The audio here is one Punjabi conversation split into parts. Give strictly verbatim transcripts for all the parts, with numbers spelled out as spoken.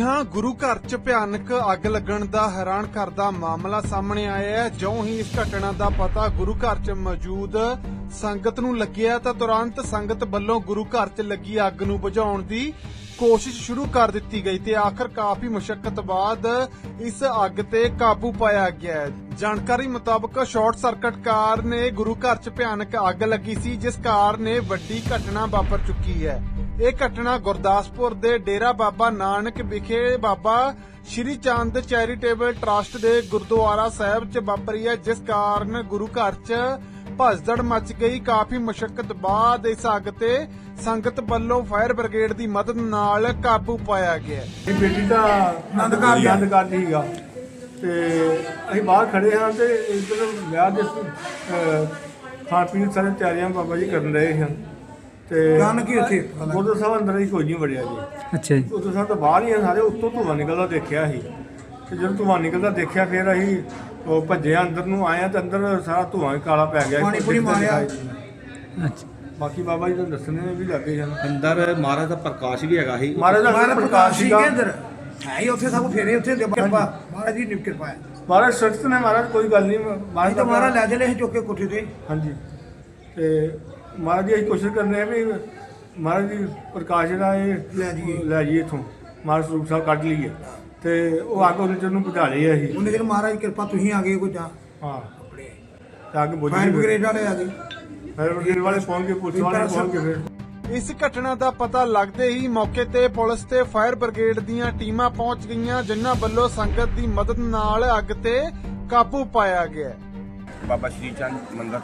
ਹਾਂ, ਗੁਰੂ ਘਰ 'ਚ ਭਿਆਨਕ ਅੱਗ ਲੱਗਣ ਦਾ ਹੈਰਾਨ ਕਰਦਾ ਮਾਮਲਾ ਸਾਹਮਣੇ ਆਇਆ ਹੈ। ਜਿਉਂ ਹੀ ਇਸ ਘਟਨਾ ਦਾ ਪਤਾ ਗੁਰੂ ਘਰ 'ਚ ਮੌਜੂਦ ਸੰਗਤ ਨੂੰ ਲੱਗਿਆ ਤਾਂ ਤੁਰੰਤ ਸੰਗਤ ਵੱਲੋਂ ਗੁਰੂ ਘਰ 'ਚ ਲੱਗੀ ਅੱਗ ਨੂੰ ਬੁਝਾਉਣ ਦੀ ਕੋਸ਼ਿਸ਼ ਸ਼ੁਰੂ ਕਰ ਦਿੱਤੀ ਗਈ ਤੇ ਆਖਰ ਕਾਫੀ ਮੁਸ਼ੱਕਤ ਬਾਅਦ ਇਸ ਅੱਗ ਤੇ ਕਾਬੂ ਪਾਇਆ ਗਿਆ ਹੈ। ਜਾਣਕਾਰੀ ਮੁਤਾਬਕ ਸ਼ਾਰਟ ਸਰਕਟ ਕਾਰਨ ਗੁਰੂ ਘਰ 'ਚ ਭਿਆਨਕ ਅੱਗ ਲੱਗੀ ਸੀ, ਜਿਸ ਕਾਰਨ ਵੱਡੀ ਘਟਨਾ ਵਾਪਰ ਚੁੱਕੀ ਹੈ। ਇਹ ਘਟਨਾ ਗੁਰਦਾਸਪੁਰ ਦੇ ਡੇਰਾ ਬਾਬਾ ਨਾਨਕ ਵਿਖੇ ਬਾਬਾ ਸ਼੍ਰੀ ਚੰਦ ਚੈਰੀਟੇਬਲ ਟਰੱਸਟ ਦੇ ਗੁਰਦੁਆਰਾ ਸਾਹਿਬ 'ਚ ਵਾਪਰੀ ਹੈ, ਜਿਸ ਕਾਰਨ ਗੁਰੂ ਘਰ 'ਚ ਭਸਦੜ ਮਚ ਗਈ। ਕਾਫੀ ਮੁਸ਼ੱਕਤ ਬਾਅਦ ਇਸ ਅੱਗ ਤੇ ਸੰਗਤ ਵੱਲੋਂ ਫਾਇਰ ਬ੍ਰਿਗੇਡ ਦੀ ਮਦਦ ਨਾਲ ਕਾਬੂ ਪਾਇਆ ਗਿਆ। ਇਹ ਬੇਟੀ ਦਾ ਆਨੰਦ ਕਾਰਜ ਆਨੰਦ ਕਾਰਜ ਸੀਗਾ ਤੇ ਅਸੀਂ ਬਾਹਰ ਖੜੇ ਹਾਂ ਤੇ ਇੱਧਰ ਵਿਆਹ ਦੇ ਅਹ, ਖਾਣ ਪੀਣ ਸਾਰੇ ਤਿਆਰੀਆਂ ਬਾਬਾ ਜੀ ਕਰਨ ਰਹੇ ਹਨ ਤੇ ਜਾਣ ਕੀ ਉੱਥੇ ਗੁਰਦੁਆਰਾ ਸਾਹਿਬ ਅੰਦਰ ਹੀ ਕੋਈ ਨਹੀਂ ਵੜਿਆ ਜੀ। ਅੱਛਾ ਜੀ। ਗੁਰਦੁਆਰਾ ਸਾਹਿਬ ਤੋਂ ਬਾਹਰ ਹੀ ਆ ਸਾਰੇ, ਉੱਤੋਂ ਧੂੰਆਂ ਨਿਕਲਦਾ ਦੇਖਿਆ ਸੀ ਤੇ ਜਦੋਂ ਧੂੰਆਂ ਨਿਕਲਦਾ ਦੇਖਿਆ ਫਿਰ ਅਸੀਂ ਉਹ ਭੱਜੇ ਅੰਦਰ ਨੂੰ ਆਏ ਤੇ ਅੰਦਰ ਸਾਰਾ ਧੂੰਆਂ ਕਾਲਾ ਪੈ ਗਿਆ। ਪਾਣੀ ਪੂਰੀ ਮਾਰਿਆ। ਅੱਛਾ, ਬਾਕੀ ਬਾਬਾ ਜੀ ਤਾਂ ਦੱਸਣੇ ਵੀ ਲੱਗੇ ਹਨ। ਅੰਦਰ ਮਹਾਰਾਜ ਦਾ ਪ੍ਰਕਾਸ਼ ਵੀ ਹੈਗਾ ਸੀ। ਮਹਾਰਾਜ ਦਾ ਮਹਾਰਾਜ ਪ੍ਰਕਾਸ਼ ਪ੍ਰਕਾਸ਼ ਸੀ ਸੀਗਾ। ਕਿ ਅੰਦਰ ਹੈ ਹੀ ਉੱਥੇ ਸਭ ਫੇਰੇ ਉੱਥੇ ਦੇ ਕਿਰਪਾ ਮਹਾਰਾਜ ਜੀ ਦੀ ਕਿਰਪਾ ਹੈ। ਮਹਾਰਾਜ ਸਖਤ ਨੇ, ਮਹਾਰਾਜ ਕੋਈ ਗੱਲ ਨਹੀਂ। ਅਸੀਂ ਤਾਂ ਮਹਾਰਾਜ ਲੈ ਚਲੇ ਅਸੀਂ ਚੁੱਕ ਕੇ ਕੋਠੇ ਤੇ। ਹਾਂਜੀ ਤੇ ਮਹਾਰਾਜ ਜੀ ਅਸੀਂ ਕੋਸ਼ਿਸ਼ ਕਰਨੇ ਆ ਵੀ ਮਹਾਰਾਜ ਜੀ ਪ੍ਰਕਾਸ਼ ਜਿਹੜਾ ਇਹ ਲੈ ਜਾਈਏ। ਲੈ ਜਾਈਏ ਇੱਥੋਂ, ਮਹਾਰਾਜ ਸਰੂਪ ਸਾਹਿਬ ਕੱਢ ਲਈਏ ਤੇ ਉਹ ਅੱਗ ਉਹਨੇ ਨੂੰ ਬੁਝਾ ਲਈ ਅਸੀਂ। ਉਹਨੇ ਕਿਹਾ ਮਹਾਰਾਜ ਕਿਰਪਾ ਤੁਸੀਂ ਆ ਗਏ ਕੋਈ ਜਾਂ ਹਾਂ ਆਪਣੇ ਤੇ ਅੱਗ ਬੁਝ ਫਾਇਰ ਗਈ। ਬ੍ਰਿਗੇਡ ਵਾਲੇ ਆ ਗਏ। ਫਾਇਰ ਬ੍ਰਿਗੇਡ ਵਾਲੇ ਪਹੁੰਚ ਕੇ, ਪੁਲਿਸ ਵਾਲੇ ਪਹੁੰਚ ਕੇ ਫਿਰ ਇਸ ਘਟਨਾ ਦਾ ਪਤਾ ਲੱਗਦੇ ਹੀ ਮੌਕੇ ਤੇ ਪੁਲਿਸ ਤੇ ਫਾਇਰ ਬ੍ਰਿਗੇਡ ਦੀਆਂ ਟੀਮਾਂ ਪਹੁੰਚ ਗਈਆਂ, ਜਿਨ੍ਹਾਂ ਵੱਲੋਂ ਸੰਗਤ ਦੀ ਮਦਦ ਨਾਲ ਅੱਗ ਤੇ ਕਾਬੂ ਪਾਇਆ ਗਿਆ। ਬਾਬਾ ਸ਼੍ਰੀ ਚੰਦ ਮੰਦਰ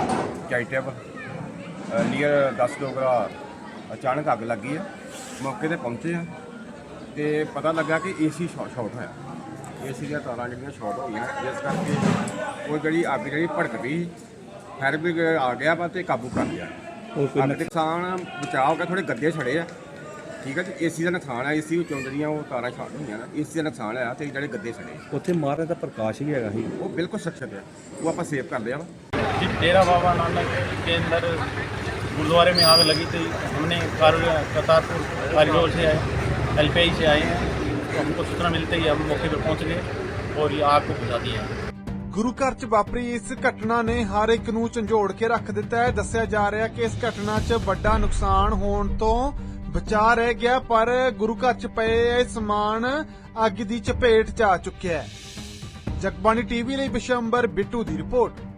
ਚੈਰੀਟੇਬਲ ਨੀਅਰ ਦਸ ਡੋਗਰਾ ਅਚਾਨਕ ਅੱਗ ਲੱਗੀ ਆ। ਮੌਕੇ ਤੇ ਪਹੁੰਚੇ ਆ ਤੇ ਪਤਾ ਲੱਗਾ ਕਿ ਏਸੀ ਸ਼ਾਰਟ ਹੋਇਆ। ਏਸੀ ਦੀਆਂ ਤਾਰਾਂ ਜਿਹੜੀਆਂ ਸ਼ਾਰਟ ਹੋ ਗਈਆਂ, ਜਿਸ ਕਰਕੇ ਉਹ ਜਿਹੜੀ ਅੱਗ ਜਿਹੜੀ ਭੜਕ ਗਈ। ਫਾਇਰ ਬ੍ਰਿਗੇਡ ਆ ਗਿਆ ਵਾ ਤੇ ਕਾਬੂ ਕਰ ਲਿਆ। ਅੱਗ ਦੇ ਨੁਕਸਾਨ ਬਚਾਅ ਹੋ ਗਿਆ, ਥੋੜੇ ਗੱਦੇ ਛੜੇ ਆ, ਠੀਕ ਹੈ ਜੀ। ਏਸੀ ਦਾ ਨੁਕਸਾਨ ਆ, ਏਸੀ ਵਿੱਚੋਂ ਜਿਹੜੀਆਂ ਉਹ ਤਾਰਾਂ ਸ਼ਾਰਟ ਹੋਈਆਂ ਨਾ, ਏਸੀ ਦਾ ਨੁਕਸਾਨ ਆ ਤੇ ਜਿਹੜੇ ਗੱਦੇ ਛੜੇ ਉੱਥੇ ਮਹਾਰਾਜ ਦਾ ਪ੍ਰਕਾਸ਼ ਵੀ ਹੈਗਾ ਸੀ। ਉਹ ਬਿਲਕੁਲ ਸੁਰੱਖਿਅਤ ਆ, ਉਹ ਆਪਾਂ ਸੇਵ कर लिया वा। जी, डेरा बाबा नानक के अंदर गुरुद्वारे में आग लगी थी। हमने करतारपुर कॉरिडोर से आए, एल पी आई से आए हैं, तो हमको सूचना मिलते ही हम मौके पर पहुंच गए और ये आग को बुझा दिया। ਗੁਰੂ ਘਰ 'ਚ ਵਾਪਰੀ ਇਸ ਘਟਨਾ ਨੇ ਹਰ ਇੱਕ ਨੂੰ ਝੰਜੋੜ ਕੇ ਰੱਖ ਦਿੱਤਾ ਹੈ। ਦੱਸਿਆ ਜਾ ਰਿਹਾ ਕਿ ਇਸ ਘਟਨਾ 'ਚ ਵੱਡਾ ਨੁਕਸਾਨ ਹੋਣ ਤੋਂ ਬਚਾ ਰਹਿ ਗਿਆ, ਪਰ ਗੁਰੂ ਘਰ 'ਚ ਪਏ ਇਹ ਸਮਾਨ ਅੱਗ ਦੀ ਚਪੇਟ 'ਚ ਆ ਚੁੱਕਿਆ ਹੈ। ਜਗਬਾਣੀ ਟੀਵੀ ਲਈ ਬਿਸ਼ੰਬਰ ਬਿੱਟੂ ਦੀ ਰਿਪੋਰਟ।